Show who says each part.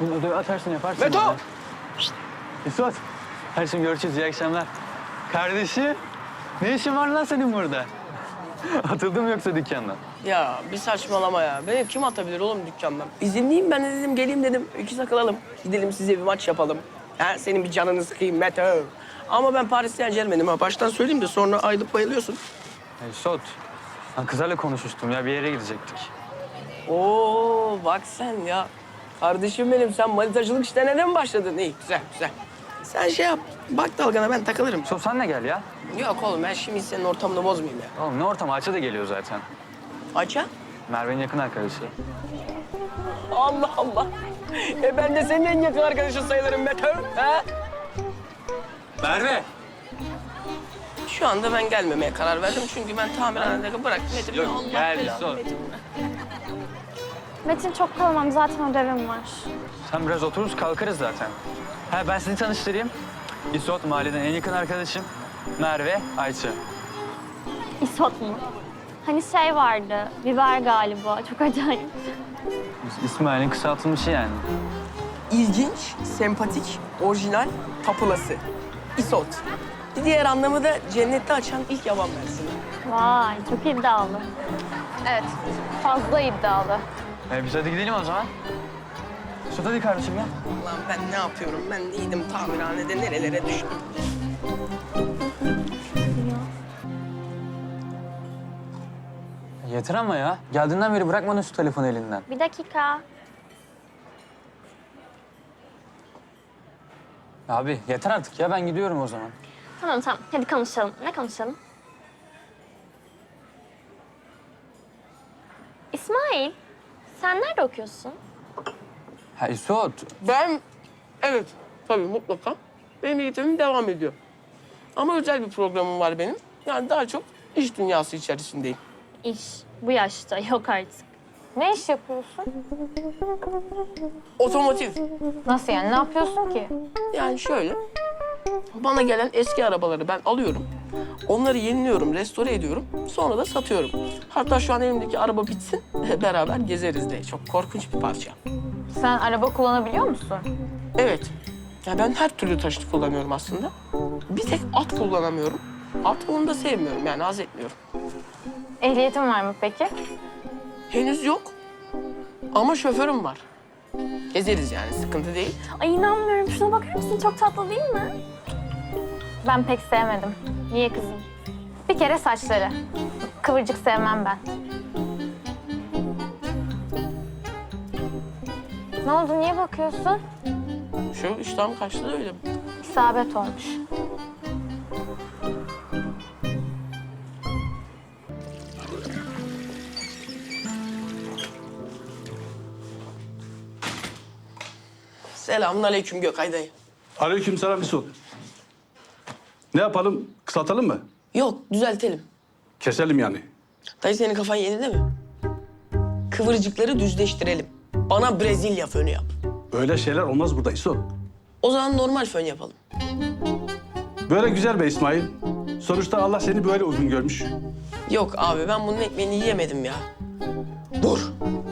Speaker 1: Bunu odaya atarsın yaparsın.
Speaker 2: Beto!
Speaker 1: Yani. İsot. Hadi şimdi görüşürüz. İyi akşamlar. Kardeşim. Ne işin var lan senin burada? Atıldın mı yoksa dükkandan?
Speaker 2: Ya bir saçmalama ya. Beni kim atabilir oğlum dükkandan? İzinliyim ben de dedim geleyim dedim. İki takılalım. Gidelim size bir maç yapalım. Ha, senin bir canını sıkayım Mete. Ama ben Paris Saint-Germain'im ha. Baştan söyleyeyim de sonra ayılıp bayılıyorsun.
Speaker 1: İsot. Ben kızlarla konuşmuştum ya. Bir yere gidecektik.
Speaker 2: Oo bak sen ya. Kardeşim benim sen manitacılık işlerine mi başladın? İyi güzel güzel. Sen şey yap. Bak dalgana ben takılırım.
Speaker 1: İsot sen de gel ya.
Speaker 2: Yok oğlum ben şimdi senin ortamını bozmayayım ya.
Speaker 1: Oğlum ne ortam? Ayça da geliyor zaten.
Speaker 2: Ayça?
Speaker 1: Merve'nin yakın arkadaşı.
Speaker 2: Allah Allah. Ben de senin en yakın arkadaşın sayılırım Mete. Ha?
Speaker 1: Merve!
Speaker 2: Şu anda ben gelmemeye karar verdim çünkü ben tamirhanede bıraktım. Metin,
Speaker 1: Yok,
Speaker 2: Allah
Speaker 1: gel,
Speaker 2: belanı
Speaker 1: sor.
Speaker 2: Metin.
Speaker 3: Metin çok kalamam. Zaten ödevim var.
Speaker 1: Sen biraz otururuz kalkarız zaten. Ha ben sizi tanıştırayım. İsot mahalleden en yakın arkadaşım. Merve, Ayça.
Speaker 3: İsot mu? Hani şey vardı. Biber galiba. Çok acayip.
Speaker 1: İsmail'in kısaltılmışı yani.
Speaker 2: İlginç, sempatik, orijinal, tapulası. İsot. Bir diğer anlamı da cennette açan ilk yaban mersini.
Speaker 3: Vay çok iddialı. Evet. Fazla iddialı.
Speaker 1: Biz hadi gidelim o zaman. İsot hadi kardeşim ya.
Speaker 2: Ulan ben ne yapıyorum? Ben değildim tamirhanede nerelere düştüm.
Speaker 1: Yeter ama ya. Geldiğinden beri bırakmadın şu telefonu elinden.
Speaker 3: Bir dakika.
Speaker 1: Abi yeter artık ya ben gidiyorum o zaman.
Speaker 3: Tamam tamam. Hadi konuşalım. Ne konuşalım? İsmail, sen nerede okuyorsun?
Speaker 1: Ha İsot.
Speaker 2: Ben, evet tabii mutlaka. Benim eğitimim devam ediyor. Ama özel bir programım var benim. Yani daha çok iş dünyası içerisindeyim.
Speaker 3: İş. Bu yaşta yok artık. Ne iş yapıyorsun?
Speaker 2: Otomotiv.
Speaker 3: Nasıl yani? Ne yapıyorsun ki?
Speaker 2: Yani şöyle, bana gelen eski arabaları ben alıyorum. Onları yeniliyorum, restore ediyorum. Sonra da satıyorum. Hatta şu an elimdeki araba bitsin, beraber gezeriz de. Çok korkunç bir parça.
Speaker 3: Sen araba kullanabiliyor musun?
Speaker 2: Evet, ya ben her türlü taşıt kullanıyorum aslında. Bir tek at kullanamıyorum. At onu da sevmiyorum, yani haz etmiyorum.
Speaker 3: Ehliyetin var mı peki?
Speaker 2: Henüz yok ama şoförüm var. Gezeriz yani, sıkıntı değil.
Speaker 3: Ay inanmıyorum. Şuna bakar mısın? Çok tatlı değil mi? Ben pek sevmedim. Niye kızım? Bir kere saçları. Kıvırcık sevmem ben. Ne oldu? Niye bakıyorsun?
Speaker 2: Şu iştahım kaçtı da öyle.
Speaker 3: İsabet olmuş.
Speaker 2: Selamünaleyküm Gökay dayı.
Speaker 4: Aleykümselam Mesut. Ne yapalım? Kısaltalım mı?
Speaker 2: Yok, düzeltelim.
Speaker 4: Keselim yani.
Speaker 2: Dayı senin kafan yerinde mi? Kıvırcıkları düzleştirelim. Bana Brezilya fönü yap.
Speaker 4: Öyle şeyler olmaz burada İso.
Speaker 2: O zaman normal fön yapalım.
Speaker 4: Böyle güzel be İsmail. Sonuçta Allah seni böyle uygun görmüş.
Speaker 2: Yok abi ben bunun ekmeğini yiyemedim ya. Dur.